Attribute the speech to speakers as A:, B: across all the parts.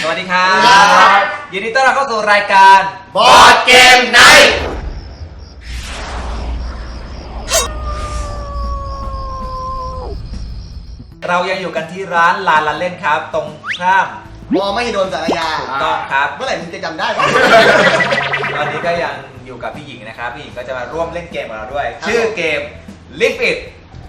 A: วัสดีครับยินดีต้อนรับเข้าสู่รายการ
B: บอร์ดเกมไนท์
A: เรายังอยู่กันที่ร้านลานละเล่นครับตรงข้าม
B: มอไม่โดนสารยา
A: ถูกต้องครับ
B: เมื่อไหร่มึงจะจำได้
A: ตอนนี้ก็ยังอยู่กับพี่หญิงนะครับพี่หญิงก็จะมาร่วมเล่นเกมกับเราด้วยชื่อเกม Live It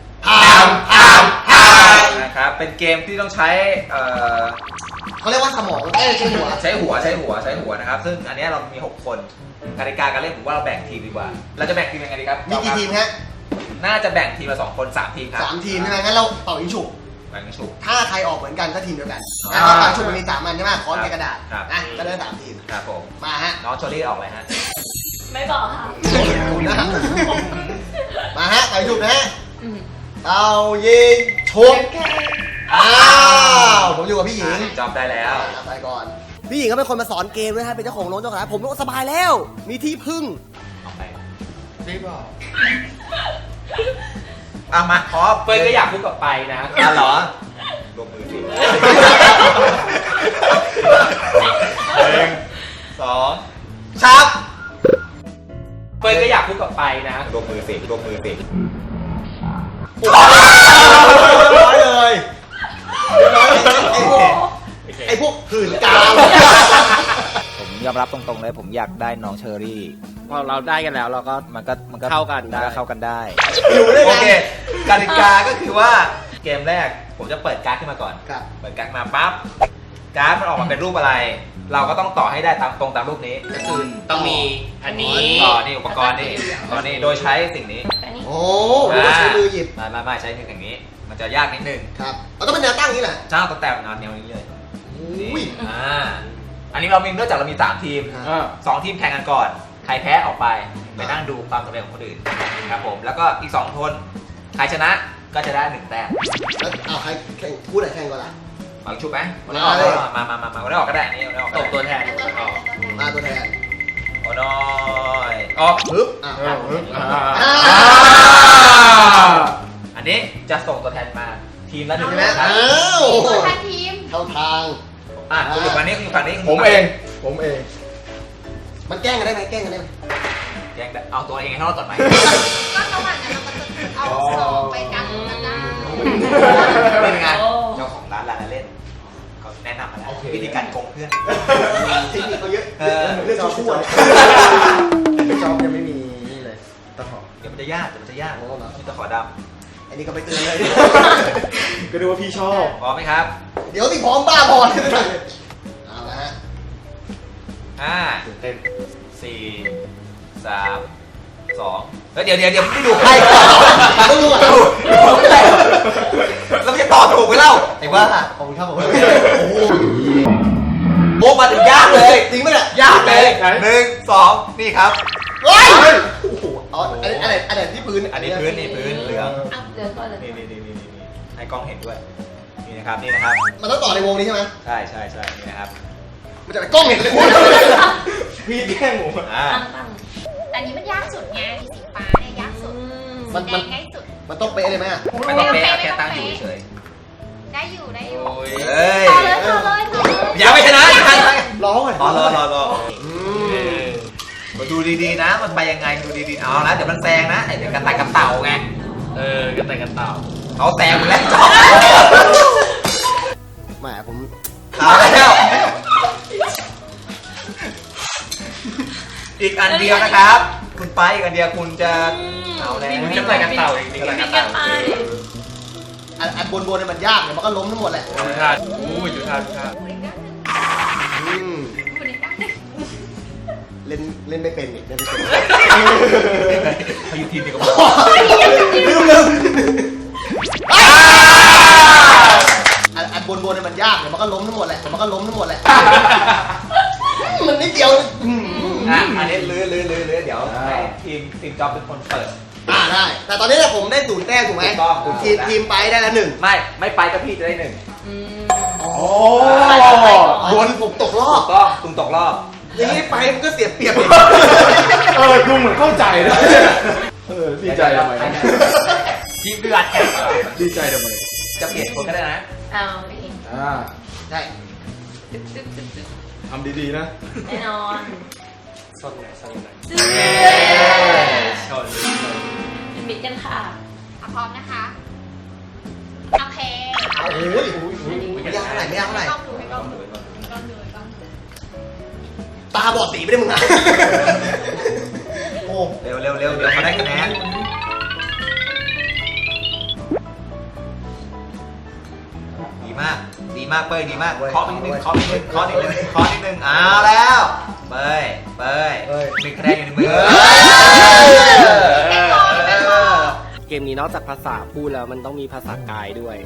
A: นะครับเป็นเกมที่ต้องใช้
B: เขาเรียกว่าสมองใช้หัว
A: นะครับซึ่งอันนี้เรามี6คนกติกาการเล่นผมว่าเราแบ่งทีมดีกว่าเราจะแบ่งทีมยังไงดีครับ
B: มีกี่ทีมฮะ
A: น่าจะแบ่งทีมละ2 คน3 ทีมครับ
B: 3 ทีมใช่ไหมงั้นเราเป่ายิงฉุบถ้าใครออกเหมือนกันก็ทีมเดียวกันแล้วก็ปังฉุบมันมี3 อันใช่ไหมค้อนในกระดาษนะก็ได้3 ทีม
A: ครับผม
B: มาฮะ
A: น้องโชลี่ออกเลยฮะ
C: ไม่บอกค่ะ
B: มาฮะเป่ายิงฉุบนะฮะเป่ายิงฉุบผมอยู่กับพี่หญิง
A: จอบได้แล้ว
B: ไปก่อนพี่หญิงก็เป็นคนมาสอนเกมด้วยฮะเป็นเจ้าของโรงเจ้าของร้านผมก็สบายแล้วมีที่พึ่ง
A: รีบบอกมาขอ
D: เฟิร์นก็อยากพูดกับไปนะ
A: เหรอลงมือสิ1 2ชับ
D: เฟิร์นก็อยากพูดกับไปนะ
A: ลงมือสิ
B: ร้อยเลยไอ้พวกหื่นกาว
A: ผมยอมรับตรงๆเลยผมอยากได้น้องเชอรี่
D: พอเราได้กันแล้วเราก็
A: มันก็
D: เข้ากัน
A: ได้โอเคกติกาก็คือว่าเกมแรกผมจะเปิดการ์ดขึ้นมาก่อนเปิดการ์ดมาปั๊บการ์ดมันออกมาเป็นรูปอะไรเราก็ต้องต่อให้ได้ตามรูปนี้
D: ก็คือต้องมีอันนี้
A: นี่อุปกรณ์นี่โดยใช้สิ่งนี้
B: โอ้ใช้มือหยิบ
A: ไม่ใช้มืออย่างนี้มันจะยากนิดนึง
B: ครับต้องเป็นแนวตั้งนี้แหละ
A: ใช่ต้องแต่งแนวนี้เลยอันนี้เรามีเนื่องจากเรามี3 ทีม2 ทีมแข่งกันก่อนใครแพ้ออกไปนั่งดูความสำเร็จของคนอื่นครับผมแล้วก็อีก2 คนใครชนะก็จะได้1 แต้ม
B: แล้วเอาใครแข่งพูดอะไรแข่งก่อนล่ะ
A: ฝังชุบไหมวันนี้ออกวันนี้ออกก็ได้นี่วันนี้ออก
D: ตกตัวแทน
B: มาตัวแทน
A: โอ้น้อยออก
B: ปึ๊บ
A: อันนี้จะส่งตัวแทนมาทีมละ1
B: แต้ม
C: ตัวแทนทีม
B: เข้าทาง
A: คุณอยู่ฝั่งนี้
D: ผมเอง
B: มันแกล้งกันได้ไหมแกล้งได้
A: เอาตัวเองให้รอดก่อนไหม
C: ก็ระหว่างนั้นเราก็จะเอา2ไปกันกันได้
A: เป็นไงเจ้าของร้านเล่นเขาแนะนำมาแล้ววิธีการโกงเพื่อน
B: เทคนิคเขาเยอะเรื่องชั่ว
D: จอบยังไม่มีนี่เลยตะขอ
A: เดี๋ยวมันจะยากมีตะขอด
B: ำอันนี้ก็ไปเตือนเลย
D: ก็ดูว่าพี่ชอบ
A: พร้อมไหมครับ
B: เดี๋ยวติพร้อมบ้าบอลเอาละฮะ
A: 5
D: เต้น
A: 4 3 2แล้วเดี๋ยวไม่ดูใคร
B: ต้องดู
A: แล้วจะต่อถูกไหมเล่าไอ้บ้า
B: ขอบคุณครับผม
A: โอ้มาถึงยากเลย
B: จริงไหมเนี่ย
A: ยากเลย1 2นี่ครับ
B: โอ้โหอะไรที่พื้น
A: อันนี้พื้นเหลืองนี่ให้กล้องเห็นด้วยนี่นะครับ
B: มันต้องต่อในวงนี้ใช่ไหม
A: ใช่นี่นะครับ
B: มันจะไปกล้องเห็นเลย
D: พี่แย่งผม
C: อันนี้มันยากสุดไงสีฟ้าเนี่ยยากสุด
B: มัน
C: ง่ายสุด
B: มันต้องเป๊ะเลยไหม
A: ไม่ต้องเป๊ะแค่ตั้งอยู่เฉย
C: ได้อยู่
A: ต่อ
C: เลย
A: อย่าไปชนะ
B: ร้องเลย
A: รอมาดูดีๆนะมันไปยังไงดูดีๆเอาละเดี๋ยวมันแซงนะเดี๋ยวกันต่ายกันเต่าไง
D: กันต่ายกันเต่า
A: เขาแซงไปแล้ว
B: แหมผม
A: เอาแล้วอีกอันเดียวนะครับคุณไปอีกอันเดียวคุณจะเอาแล้ว
D: กันต่ายกันเต่าอีกกันต่าย
B: อันบนมันยากเนี่ยมันก็ล้มทั้งหมดแหละ
D: จุธา
B: เล่นไม่เป็นเนี่ยเล่นไม่เป็น
A: เขาอยู่ทีมเดียวกัน
B: ลืมอันบนมันยากเนี่ยมันก็ล้มทั้งหมดแหละมันนิดเดียว
A: อันนี้ลื้อเดี๋ยวให้ทีมจ็อบเป็นคนเปิด
B: ได้แต่ตอนนี้ผมได้0 แต้มถูกไหมทีมไปได้แล้ว1
A: ไม่ไปก็พี่จะได้1
B: โดนผมตกรอบ
A: ตุ้งตกรอบ
B: อย่างนี้ไปมันก็เสียเปรียบ
D: ดูเหมือนเข้าใจนะดีใจทำไม
A: ทีมเดือด
D: ดีใจทำไม
A: จะเปลี่ยนคนก็ได้นะ
C: เอา
B: ใช่
D: ทำดีๆนะ
E: แน่นอน
F: ชนไหนชนไหน
E: ชนปิดกันค่ะ
C: พร้อมนะคะโอเค
B: โอ้ยไม่ยากเท่าไหร่ไม่ยากเท่าไหร่
C: กล้องดูให้กล้องดูให้กล้องดูให้กล้องดู
B: ตาบอดสีไม่ได้มึงอ่ะโอ้
A: เร็วเดี๋ยวเขาได้คะแนนดีมากเป้ยดีมากเคาะนิดนึงเอาแล้วเป้ยหนึ่งคะแนนอยู่ในมือ
F: เกมนี้นอกจากภาษาพูดแล้วมันต้องมีภาษากายด้วย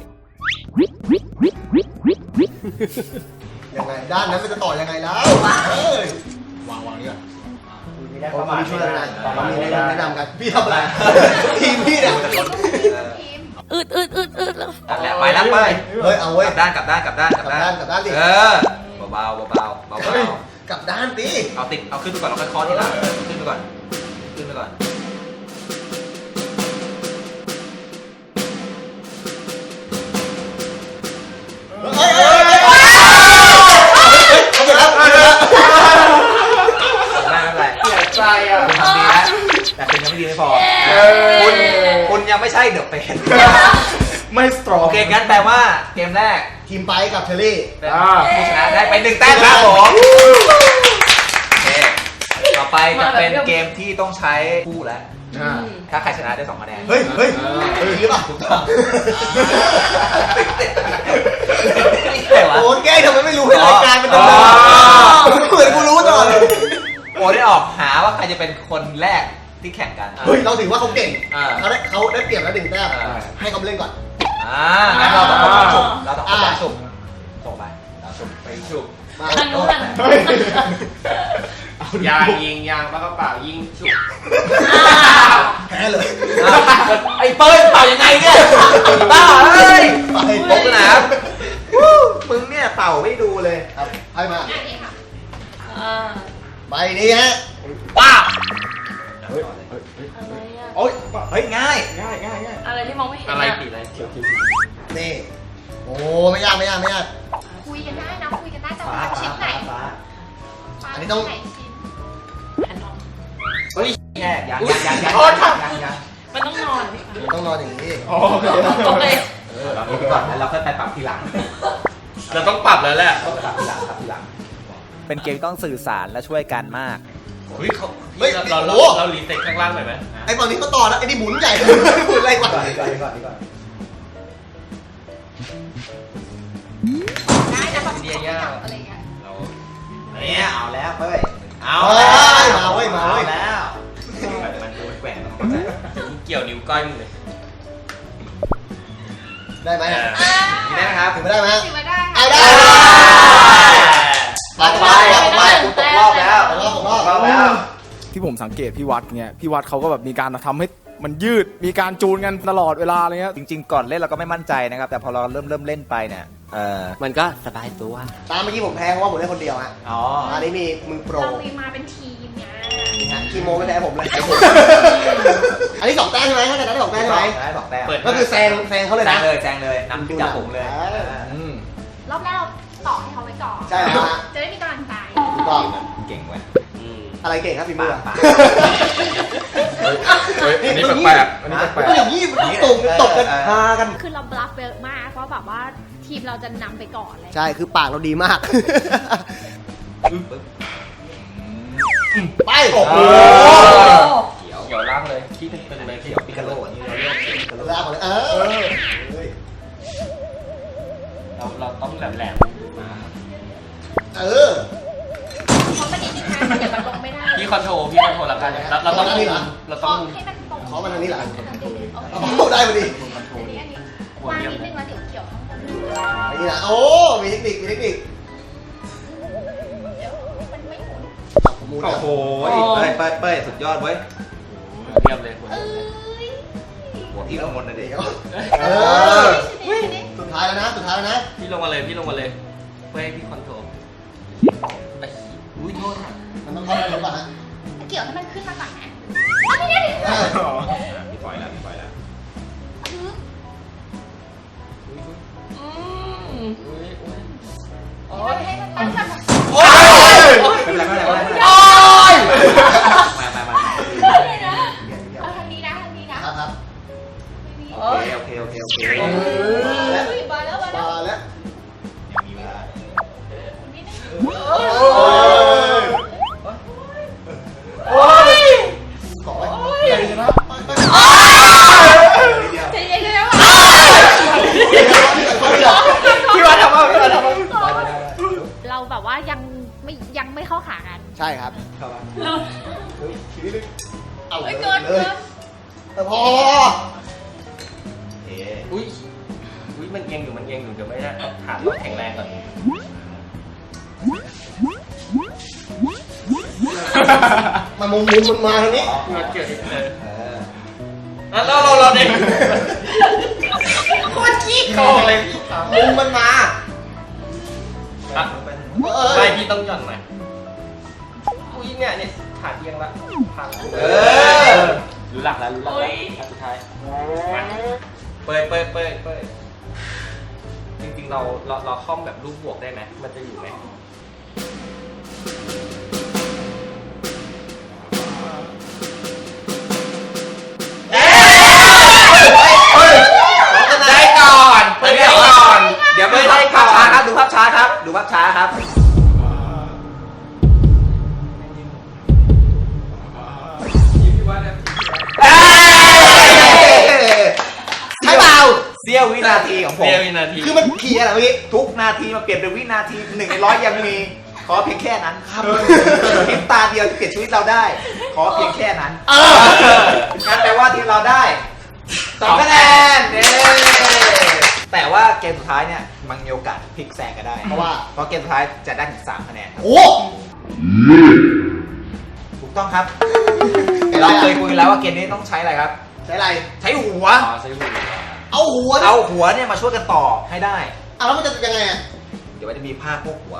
B: ยังไงด้านนั้นมันจะต่อยังไงแล้ววางนี่ก่อนผมมีช่วยอะไรผมมีแนะนำกันพี่ทำอะไรทีมพี่เนี่ย
E: อืดแล้ว
A: แล้วไปแล้วเป้ย
B: เฮ้ยเอาเว้ย
A: กลับด้าน
B: กลับด้านดิ
A: เบา
B: กลับด้านดิ
A: เอาขึ้นไปก่อนเราค่อยเคาะทีหลังขึ้นไปก่อน
B: เฮ้ยเอาไปแล้ว
A: ไม่เป็นไร
D: เสียใจอ่ะ
A: คุณทำดีแล้วแต่คุณยังไม่ดีไม่พอคุณยังไม่ใช่เดอะเป็น
D: ไม่สตรอง
A: โอเคงั้นแปลว่าเกมแรก
B: ทีมไปกับเชอรี่
A: เป็นผู้ชนะได้ไป1 แต้มครับผมโอเคต่อไปจะเป็นเกมที่ต้องใช้คู่แล้ว ถ้าใครชนะได้2 คะแนน
B: เฮ้ยหรือเปล่าถูกต้องโอ้แกทำไมไม่รู้ให้รายการมันดำเนินเหมือนกูรู้ตลอดเลย
A: โอ้ได้ออกหาว่าใครจะเป็นคนแรกที่แข่งกัน
B: เฮ้ยเราถือว่าเขาเก่ง
A: อ่า
B: เขาได้เปรียบแล้ว1 แต้มให้เขาเล่นก่อน
A: งั้นเราต้องคนสุ่มเราต้องคนสุ่มส่งไปเราสุ่มไปสุ่ม
B: มา
E: ทางนู้นอ่ะ
F: ยางยิงยางปากกระเป๋ายิงฉุก
B: แพ้เลย
A: ไอ้เปิ้ลเป่ายังไงเนี่ยบ้าเอ้ย
B: ไป
A: ตกสนามมึงเนี่ยเป่าไม่ดูเลย
B: ครับให้มา
C: อันนี้ค่ะ
B: ใบนี้ฮะ
A: ป้า
E: อะไรอ่ะ
A: โอ๊ยเฮ้ยง่าย
E: อะไรที่มองไม่เห็น
F: อะไรปีอะไร
B: นี่โอ้ไม่ยาก
C: คุยกันได้นะคุยกันได้แต่ว่าชิ้นไหน
B: อันนี้ต้อง
C: ไหนชิ้น
E: แผ่นทอง
A: เฮ้ยแย่ยัง
E: มันต้องนอนพี่
B: ต้องนอนอย่างนี้
E: โอเค
A: เราดูก่อนแล้วเราค่อยไปปรับทีหลัง
F: เราต้องปรับแล้วแหละ
A: ปรับทีหลังเป็นเกมต้องสื่อสารและช่วยกันมาก
F: เฮ้ยเรารีเซ็ตข้างล่างหน่อยไหม
B: ไอ้ตอนนี้เขาต่อแล้วไอ้นี่หมุนใหญ่หมุนอะไรกว่า
C: ได้นะแบบสองอย่างอะไรเงี้ย
A: เนี่ยเอาแล้วเป้ยเอา
B: มาเว้ย
A: แล้วมันดูแกว่ง
F: เกี่ยวนิ้วก้อยมึงเลย
B: ได้ไหม
A: นี่ได้ไหมครับ
B: ถึงไม่ได้ไหม
C: ถือว่าได้
B: เอาได้
A: ต่อไปกูตกรอบแล้ว
B: รอบ
A: แล้ว
D: ที่ผมสังเกตพี่วัดเงี้ยพี่วัดเขาก็แบบมีการทำให้มันยืดมีการจูนกันตลอดเวลาอะไรเงี้ย
A: จริงๆก่อนเล่นเราก็ไม่มั่นใจนะครับแต่พอเราเริ่มเล่นไปเนี่ย
F: มันก็สบายตัว
B: ตามเมื่อกี้ผมแพ้เพราะว่าผมเล่นคนเดียวฮะ
A: อ๋อ
B: อันนี้มีมือโปร
C: เรามีมาเป็นทีมไง
B: คีโมไม่แพ้ผมเลยอันนี้2 แต้มใช่ไหมถ้าเกิดได้2 แต้มใช่ไหม
A: ได้2 แต้ม
B: ก็คือแซงเขาเลยนะ
A: แซงเลยนำจับผมเลย
C: รอบแรกเราต่อให้เขาไว้ก่อน
B: ใช่แล้วฮะ
C: จะได้มีกำลังใจ
B: ถูกต้อง
A: เก่งเว้ย
B: อะไรเก่งครับพี่มือ
D: อันนี้แปลกๆอันนี้แปล
B: ก็
D: ก
B: อย่างนี้มันตกกันพากัน
C: คือเราบลัฟเยอะมากเพราะแบบว่าทีมเราจะนำไปก่อนเลย
B: ใช่คือปากเราดีมาก ไปโอ้โห
A: เขียว
F: เกี่ยวล่างเลยที่เป็นเลย
A: เขียวปิกาโลนี่เราเรียกเขียวปิกาโล
B: ลากมาเลย
F: เราต้องแหลม
B: เออ
C: เพราะมันนิดนึงนะเดี๋ยวมันลงไม่ได้
F: พี่คอนโทรแล้วกันเราต้องมุมเรา
C: ข
F: ต้อ
C: อง
F: มุม
C: ให้มันตรง
B: ขอมาทางนี้หลัง
C: โอเค
B: เอาได้พอดี
C: อันนี้วางนิดนึงแล้วเดี๋ยวเกี่ยวข้างบน
B: อันนี้นะโอ้มีเทคนิค
C: เดี๋ยวมันไม่หมุน
B: ผมมู
A: โอ้โหเป้ยสุดยอดเว้ย
F: เรียบเลย
C: เอ้ย
A: หัวพี่ข้างบนนะเด็ก
B: เออสุดท้ายแล้วนะ
F: พี่ลงมาเลยเพื่อให้พี่คอนโทรอุ้ยโทษ
B: มันต้องเข้าไปหรือเปล่าฮะ
C: เกี่ยวให้มันขึ้นมาก่อนนะเอาไม่ได้
A: พี่ปล่อยแล้ว
C: คือ
E: อืม
F: อุ้ย
C: โอ้ให้มันตั้งแบบ
A: โอ้ยไม่เป็นไรไม่เป็นไรไม่เป็นไร
B: โอ้ย
A: มา
C: เลยนะเอาทางนี้นะทางนี้นะครับ
B: ครับ
A: โอเคโอเคโอเคโอเค
C: มาแล้วมาแล้ว
B: มาแล้ว
A: มีเวลา
C: นิดนึง
B: โอ้ยเกาะไว้ใหญ่ชนะ
C: ใจเย็นๆนะ
F: พี่วัดทำเอาพี่วัดทำเอา
C: เราแบบว่ายังไม่เข้าขากัน
B: ใช่ครับ
A: เข้ามา
B: ทีนี้เอาเลย
C: เกิน
B: แต่พอ
A: โอเค
F: อุ้ยมันเอียงอยู่เดี๋ยวไม่ได้ฐานเราแข็งแรงก่อน
B: มันมุมมันมาทางนี้
F: พี่วัดเกี่ยวนิดเลย
A: เออ
F: เราเด็กโคตรขี้โกงเลย
B: มุมมันมา
F: ใช่พี่ต้องหย่อนหน่อยอุ้ยเนี่ยฐานเอียงละพัง รู้หลักแล้วสุดท้ายมาเปิดจริงๆเราคล่อมแบบรูปบวกได้ไหมมันจะอยู่ไหม
A: ได้ก่อนเดี๋ยวก่อน เดี๋ยวไม่ได้ภาพช้าครับดูภาพช้าครับดูภาพช้าครับ
B: ใช่เปล่า
A: เสี้ยววินาทีของผม
F: เสี้ยววินาที
B: คือมันขี่อะไรเมื่อกี้
A: ทุกนาทีมาเปลี่ยนเป็นวินาที1 ใน 100ยังมีขอเพียงแค่นั้นครับเพียงตาเดียวที่เปลี่ยนชีวิตเราได้ ขอเพียงแค่นั้นงั้นแปลว่าทีมเราได้2 คะแนนแต่ว่าเกมสุดท้ายเนี่ยมันมีโอกาสพลิกแซงก็ได้
B: เพราะ
A: เกมสุดท้ายจะได้ถึง3 คะแนนครับ
B: โอ้
A: ถูกต้องครับเราเคยคุยกันแล้วว่าเกมนี้ต้องใช้อะไรครับ
B: ใช้อะไร
A: ใช้หัว
F: ใช้หัว
B: เอาหัว
A: เอาหัวเนี่ยมาช่วยกันต่อให้ได้
B: แล้วมันจะยังไงอ่ะ
A: เดี๋ยวมันจะมีผ้าพวกหัว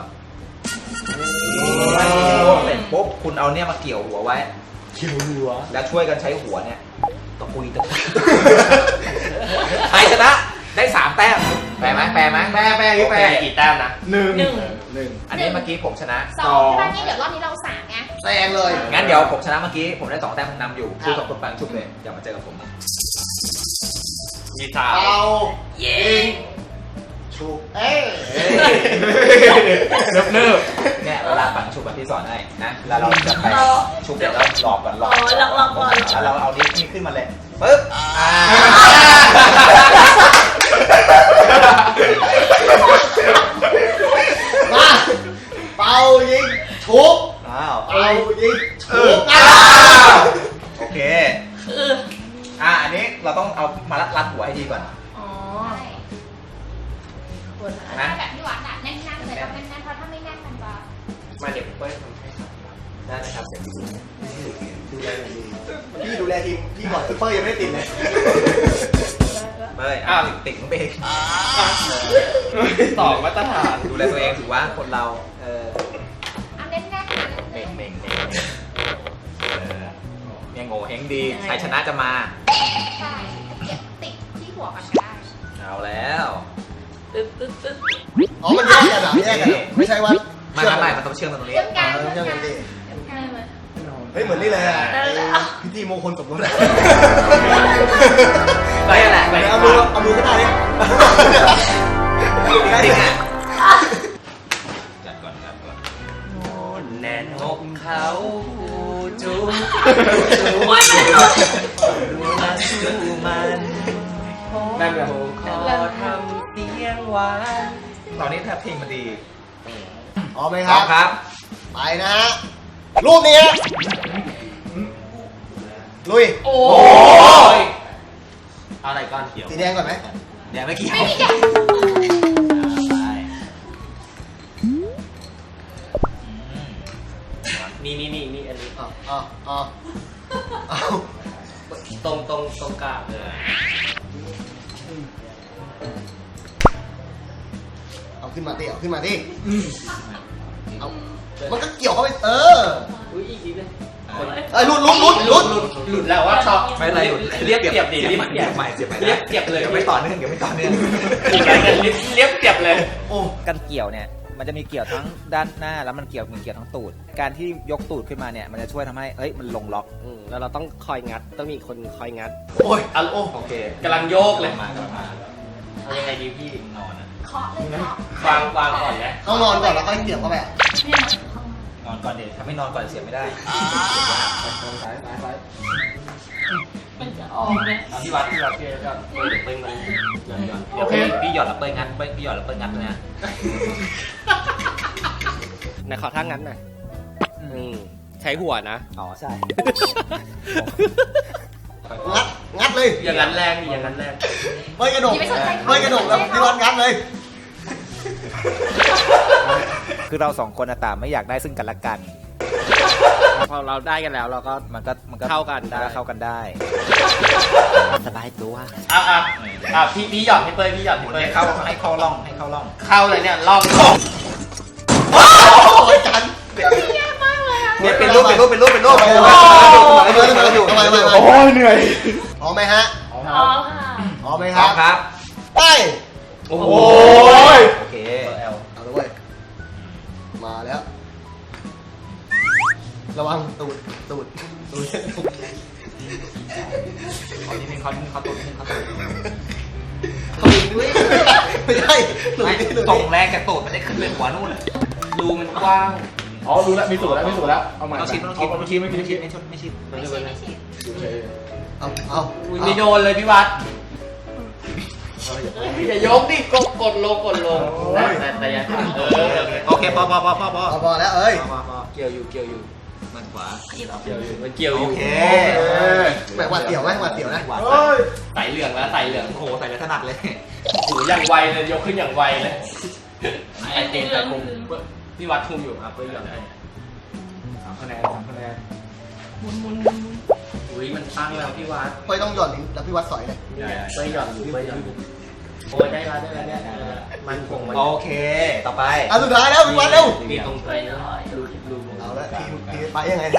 A: เสร็จปุ๊บคุณเอาเนี่ยมาเกี่ยวหัวไว้
B: เขียวหัว
A: แล้วช่วยกันใช้หัวเนี่ยตะกุยตะกุยใครชนะได้3 แต้มแปลไหมแปลนี่แปล
F: กี่แต้มนะ
B: หนึ่ง
A: อันนี้เมื่อกี้ผมชนะ
C: 2ใช่ป่ะนี่เดี๋ยวรอบนี้เรา3ไง
B: แซงเลย
A: งั้นเดี๋ยวผมชนะเมื่อกี้ผมได้2 แต้มผมนำอยู่คู่กับคนปังชุบเลยอย่ามาเจอกับผม
F: มีสาม
B: เอา
F: เย้
B: ชุบเอ้ย
F: เนิบ
A: เนี่ยเวลาปังชุบแบบที่สอนให้นะเวลาเราจะไปชุบเดี๋ยวเราหลอกก่อนหลอก
C: ลองก่อน
A: แล้วเราเอานิ้วนี่ขึ้นมาเลยปึ๊บ
B: มาเป่ายิงชุบ
A: อ้าว
B: เป่ายิงชุบ
A: โอเคอันนี้เราต้องเอามารัดหัวให้ดีก่อน
C: อ๋อถ้าแบบที่วัดอะแน่นๆเลยต้องแน่นๆเพราะถ้าไม่แน่นมันจะ
F: มาเดี๋ยวเปิ้ลทำให้ครับ
A: ได้ไหมครับเดี๋ยวดู
B: ดูแลหน่อยดีพี่ดูแลทีมพี่ก่อนซุปเปอร์ยังไม่ได้ติดเลย
A: เฮ้ยติ่งเบง
F: ต่อมาตรฐาน
A: ดูแลตัวเองถือว่าคนเรา
C: เอาแน่นๆนะ
A: เบ่งเนี่ยโง่เฮงดีใครชนะจะมา
C: ใช่เก็บติดที่หัวกันได้
A: เอาแล้ว
B: อ๋อมันแยกกันเหรอแยกกันเหรอไม่ใช่ว่า
A: ไม่มันต้องเชื่อมกันตรงนี้
C: เชื่อมกัน
B: เชื่อมกันดิ
C: ได้ไหม
B: เฮ้ยเหมือนนี่เลยอ่ะพิธีมงคลสมรสอะ
A: ได้แหละ
B: เอามือก็ได้เนี่ย
A: จริงอ่ะจัดก่อน
F: แน่นอกเขาจูบ
C: โอ้ยมันหลุด
F: ดูแลสู้มันนั่นแหละขอทำเสียงหวาน
A: ตอนนี้แทบเพลงมันดี
B: พร้อมไหม
A: ค
B: ค
A: รั
B: รั
A: บบ ครับ
B: ไปนะฮะรูปนี้ฮะลุย
C: โอ้
A: โอ้ย
F: เอาอะไรก้อนเขียว
B: สีแดงก่อนไหม
A: เดี๋ยวไม่เกี่ยว
C: ไม่มีแกะ
F: นี่อันนี้
B: เอาเอา
F: ตรงกลางเลย
B: เอาขึ้นมาดิเอาขึ้นมาดิเอามันก็เกี่ยวเข้าไป
F: อุ้ยอีกนิดนึง
B: หลุด
F: แล้วว่าชอบ
A: ไม่เป็นไร
F: เรียบเปียบดิ
A: เรียบใหม่เสียบใหม่
F: เรียบเปียบเลย
A: เดี๋ยวไม่ต่อเนื่อง
F: เรียบเปียบเลย
B: โอ้
A: กันเกี่ยวเนี่ยมันจะมีเกี่ยวทั้งด้านหน้าแล้วมันเกี่ยวทั้งตูดการที่ยกตูดขึ้นมาเนี่ยมันจะช่วยทำให้มันลงล็อก
F: แล้วเราต้องคอยงัดต้องมีคนคอยงัด
B: โอ้ย
F: อ่ะโอ้
A: โอเค
F: กำลังโยกเลย
A: มากำลังมา
F: เอายังไงดีพี่
A: นอนนะ
C: เคาะเลยเคาะ
F: วางก่อนนะ
B: ต้องนอนก่อนแล้วค่อยเสียบเข้าไป
C: เนี่ย
A: นอนก่อนเดี๋ยวถ้าไม่นอนก่อนเสียไม่ได้
C: มันจะออกเลย
F: เอาพี่วัดพี่ก็เดี๋ยวเปิ้ลมันหย่อน
A: โอเคพี่หยอดแล้วเปิ้ลงัดพี่หยอดแล้วเปิ้ลงัดนะ
F: ไหนขอท่างัดหน่อยใช้หัวนะ
A: อ๋อใช่
B: งัดเลย
F: อย่างนั้นแรงดิอย่างนั้นแรง
B: เฮ้ยกระดกเฮ้ยกระดกแล้วพี่วัดงัดเลย
A: คือเราสองคนต่างไม่อยากได้ซึ่งกันและกัน
F: พอเราได้กันแล้วเราก็
A: มันก็
F: เข้ากันได้
A: เข้ากันได้สบายตัว
F: พี่หย่อนให้เปิ้ลพี่หย่อนให้เปิ้ล
A: ให้เข้าร่อง
F: เข้าเลยเนี่ยล่อง
B: โอ้ยจัน
C: ยากมากเลยอะ
A: เนี่ยเป็นรูป
B: โอ้ยเหนื่อยพร้อมไหมฮะ
C: อ๋อค่ะ
B: พร้อมไหม
A: ค
B: ค
A: รั
B: รั
A: บบ ครับ
B: ไป
F: โอ้โห
A: โอเค
B: เอาเลยเว้ยมาแล้ว ระวังตูด
A: ขอนิดนึงเขาตุ่นนิดนึงเขาตุ่น
B: ไม่ใช่หนู
A: ไม่
B: นี่หนู
A: ตรง
B: นี่
A: แรงจากตูดมันได้ขึ้นไปหัวนู่น
F: รูมันกว้าง
D: อ๋อรู้แล้วมีสูตรแล้วเอาใหม่
A: ต้องชิด
D: ไม่ชิด
C: ไม่ฉีด
F: ไม่ฉีด
B: เอา
F: อุ้ยไม่โดนเลยพี่วัดอย่ายกดิกดลงแต่อย่า
A: โอเคพอ
B: พอแล้วเอ้ย
F: เกี่ยวอยู่
A: มันขวา
F: มันเกี่ยวอยู่
A: โอเค
B: แบบหวาดเสียวไหมหวาดเสียวนะ
F: ใส่เหลืองแล้วใส่เหลือง
A: โอ้โหใส่แล้วถนัดเลย
F: โอ้อย่างไวเลยยกขึ้นอย่างไวเลยไอเจนใส่คุมพี่วัดคุมอยู่ครับเพื่อนอย่างไร
A: 3 คะแนน
F: อุ้ยมันตั้งแล้วพี่วัด
B: เฮ้ยต้องหย่อนลิ้นแล้วพี่วัดสอยเลย
F: ไปหย่อนอยู่โอ้ยได้แล้วมันคงมัน
A: โอเคต่อไป
B: อ่ะสุดท้ายแล้วพี่วัดเร็ว
F: มีตรงไหนรู
B: เอาละทีไปยังไงนะ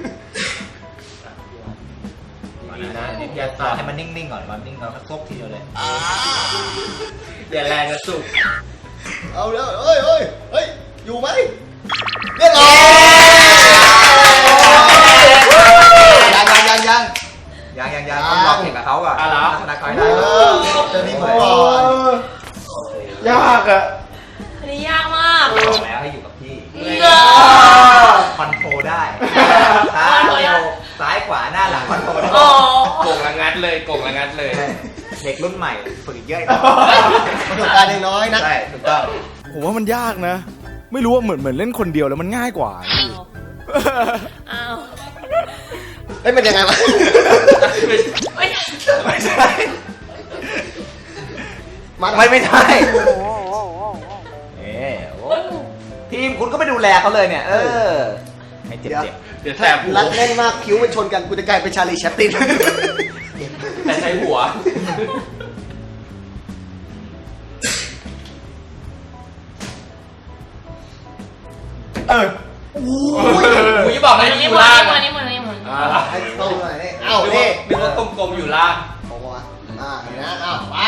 F: ดีนะอย่า
A: ต่อ
F: ตา
A: ให้มันนิ่งๆก่อนมันนิ่งก่อนมันซบทีเดียวเลย
F: อย่าแรงกระสุก
B: เอาแล้วเฮ้ยอยู่ไหมเรียบร้อยยัง
A: ต้องลองเห็นกับเขาอ่ะชนะเขาได้
B: จะมีผมก่อน
D: ยากอะ
C: อันนี้ยากมาก
A: บอกแล้วให้อยู่กับพี่
C: เงอ
A: คอนโทรได้ซ้ายเร็วซ้ายขวาหน้าหลังคอนโทรได้
C: อ๋อ
F: โก่งละงัดเลย
A: เด็กรุ่นใหม่ฝึกอีกเยอะ
B: ประสบการณ์ยังน้อยนะ
A: ใช่ถูกต้อง
D: ผมว่ามันยากนะ ไม่รู้ว่าเหมือนเล่นคนเดียวแล้วมันง่ายกว่า
C: อ้าว
B: เฮ้ยมันยังไงวะ
C: ไม่ใช่
A: ไม่ใช่ไม่ใช่ทีมคุณก็ไม่ดูแลเขาเลยเนี่ย ให้เจ็บ
F: เดี๋ยวแสบหัว
B: รัดแน่นมากคิ้วมันชนกันกูจะกลายเป็นชาลีแชปติน
F: แต่ใช้หัวอุ้ยบอกให้อยู่ล่าง
C: มือนี้
B: ให้ตรงหน่อยนี่เอ้า
F: นึ
B: นี่
F: กว่ากลมๆอยู่ล่าง
B: บอกว่าเห็นนะเอ้าไป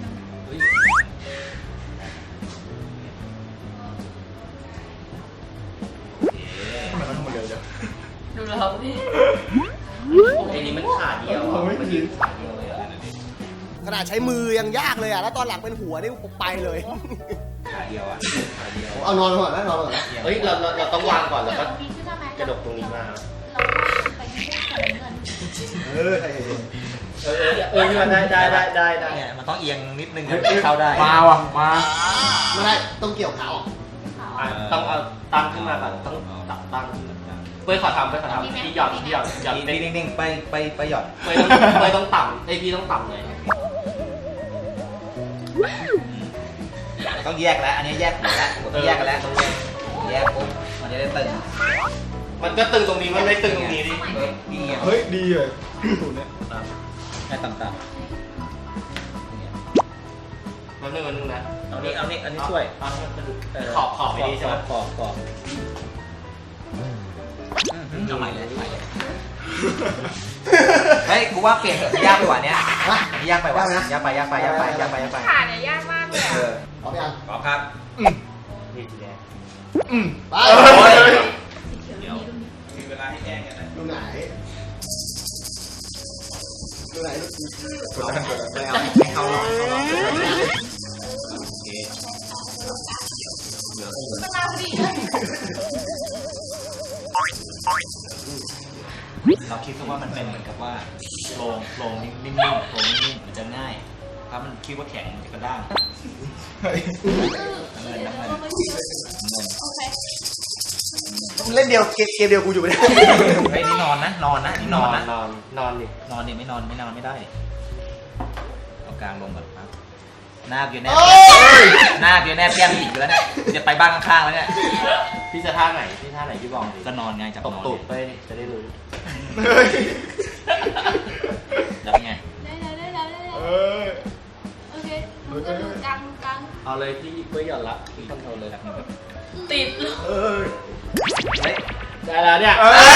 C: ดูเราดิ
F: ไอ้นี้มันขาเดียวมันยืนขาเดียวเลยอ่ะ
B: ขนาดใช้มือยังยากเลยอ่ะแล้วตอนหลังเป็นหัวนี่ผมไปเลย
A: ขาเดียวอ่ะ
B: เอานอนก่อนนะนอนก่อนนะ
F: เฮ้ยเราต้องวางก่อนแล้วก็
C: มีขึ้นมาไหม
F: กระดกตรงนี้มา
C: ไปที่เงิน
F: พี่มันได้
A: เนี่ยมันต้องเอียงนิดนึงเข้าได้
D: มาว่ะมา
B: ไม่ได้ต้องเกี่ยวเขา
F: ต้องเอาตั้งขึ้นมาก่อนต้องตับตั้งขึ้นมาเป้ยขอทำพี่หย่อน
A: นิ่งๆไปหย่อน
F: เป้ยต้องต่ำไอพี่ต้องต่ำเลย
A: ต้องแยกแล้วอันนี้แยกหัวแล้วต้องแยกกันแล้วแยกปุ๊บมันจะได้ตึง
F: มันก็ตึงตรงนี้มันไม่ตึงตรงนี้ดิ
D: เฮ้ยดีเลยสูตรเนี้ย
A: ให้ต่ำ
F: มันนึงนะ
A: ๆเอานี่อันนี้ช่วย
F: ขอบไม่ดีใช่ไหม
A: ขอบเอาใหม่เลยเฮ้ยกูว่าเปลี่ยนเถอะยากไปกว่านี้ยากไปว่ะยากไป
C: ขาเนี่ยยากมากเลย
B: พร้อมยัง
A: พร้อมครับ
F: พี่สีแดง
B: ไป
A: เดี๋ยวมีเวลาให้แก้กันนะ
B: ดูไหนดูไหน
A: ไม่เอาให้เขาหรอกเขาหรอกโอเค
C: เวลาพอดีเลย
A: เราคิดว่ามันเป็นเหมือนกับว่าโลงนิ่มๆโลงนิ่มๆมันจะง่าย ถ้ามันคิดว่าแข็งมันจะกระด้างน้ำเงิน
C: โอเค
B: เล่นเดียวเกมเดียวกูอยู่ไม่ได้
A: ไอ้ยนี่นอนนะนอนนะนี่นอนนะ
F: นอนดิ
A: นอนดิไม่นอนไม่ได้เอากลางลงก่อนครับหน้าเบียร์แนบหน้าเบียร์แนบแก้มอีกแล้วเนี่ยจะไปบ้านข้างๆแล้วเนี่ย
F: พี่จะท่าไหนพี่บอกดิ
A: ก็นอนไงจับ
F: ตบ
A: นอน
F: ตูดไปจะได้รู้
A: แล้วไง
C: ได้โอเคมึงก็ดูกลาง
F: เอาเลยพี่เพื่อหย่อนละพี่คอนโทรลเลย
A: แบบนี้แบบ
C: ติดเลย
A: เฮ้ย
F: ได้แล้วเนี่ย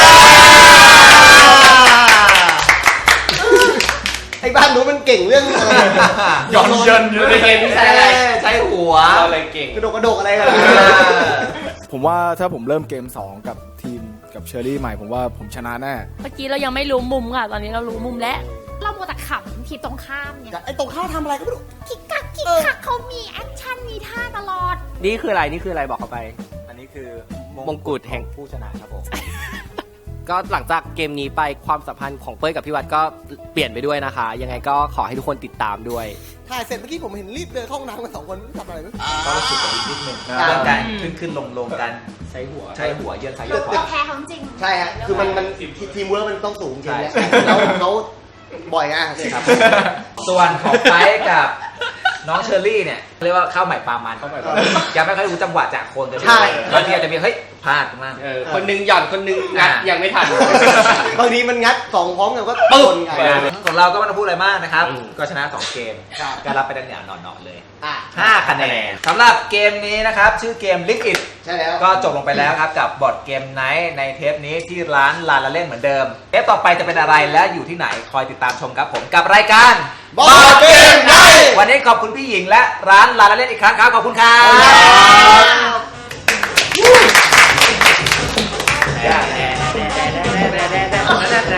B: ไอ้บ้านนู้นมันเก่งเรื่องอะไร
A: หย่อนเยิน
F: ในเกมที่ใช้อะไร
A: ใช้หัว
F: เราเลยเก่ง
B: กระโดดอะไรกัน
D: ผมว่าถ้าผมเริ่มเกม 2 กับทีมกับเชอรี่ใหม่ผมว่าผมชนะแน่
G: เมื่อกี้เรายังไม่รู้มุมค่ะ ตอนนี้เรารู้มุมแล้ว เราโมวแต่ขำทีมตรงข้ามเนี่ย
B: ไอ้ตรงข้าวทำอะไรก็ไม่รู้
G: คิกคักเขามีแอคชั่นมีท่าตลอด
F: นี่คืออะไรบอกเขาไป
D: อันนี้คือ
F: มงกุฎแห่ง
D: ผู้ชนะครับผม
F: ก็หลังจากเกมนี้ไปความสัมพันธ์ของเป้ยกับพี่วัดก็เปลี่ยนไปด้วยนะคะ ยังไงก็ขอให้ทุกคนติดตามด้วย
B: ถ่ายเสร็จเมื่อกี้ผมเห็นรีบเดินเข้าห้องน้ำกัน2 คนไม่ทำอะไรเลย
A: ก็รู้สึกกับนิดนึงเรื่องการขึ้นลงกัน
F: ใช้หัว
A: ใช้หัวเยือนซ้ายเยือนขวา
C: เราแพ้เขาจริง
B: ใช่ฮะคือมันทีมเวิร์กมันต้องสูงจริงเนี่ยแล้วเขาบ่อยไง
A: ครับส่วนของไฟกับน้องเชอรี่เนี่ยเรียกว่าข้าวใหม่ปลามันยังไม่ค่อยรู้จังหวะจากคนกันบางทีอาจจะมีเฮ้ยพลาดมาก
F: คนนึงหย่อนคนนึงงัดยังไม่ทัน
B: บางทีมันงัด2พร้อมกันก็
F: ปึ๊บ
B: ชนไง
A: ของเราก็ไม่ต้องพูดอะไรมากนะครับ
F: อืม
A: ก็ชนะ 2 เกม
B: ครับ
A: ก็รับไปดันอย่างหนอนๆเลย
B: อ่ะ
A: 5 คะแนนสำหรับเกมนี้นะครับ ชื่อเกม Lick It
B: ใช่แล้ว
A: ก็จบลงไปแล้วครับกับบอร์ดเกมไนท์ในเทปนี้ที่ร้านลาลาเล่นเหมือนเดิม เทปต่อไปจะเป็นอะไรและอยู่ที่ไหนคอยติดตามชมครับผมกับรายการ
B: บอร์ดเกมไนท์
A: วันนี้ขอบคุณพี่หญิงและร้านลาลาเล่นอีกครั้งครับขอบคุณครับ
B: ครับ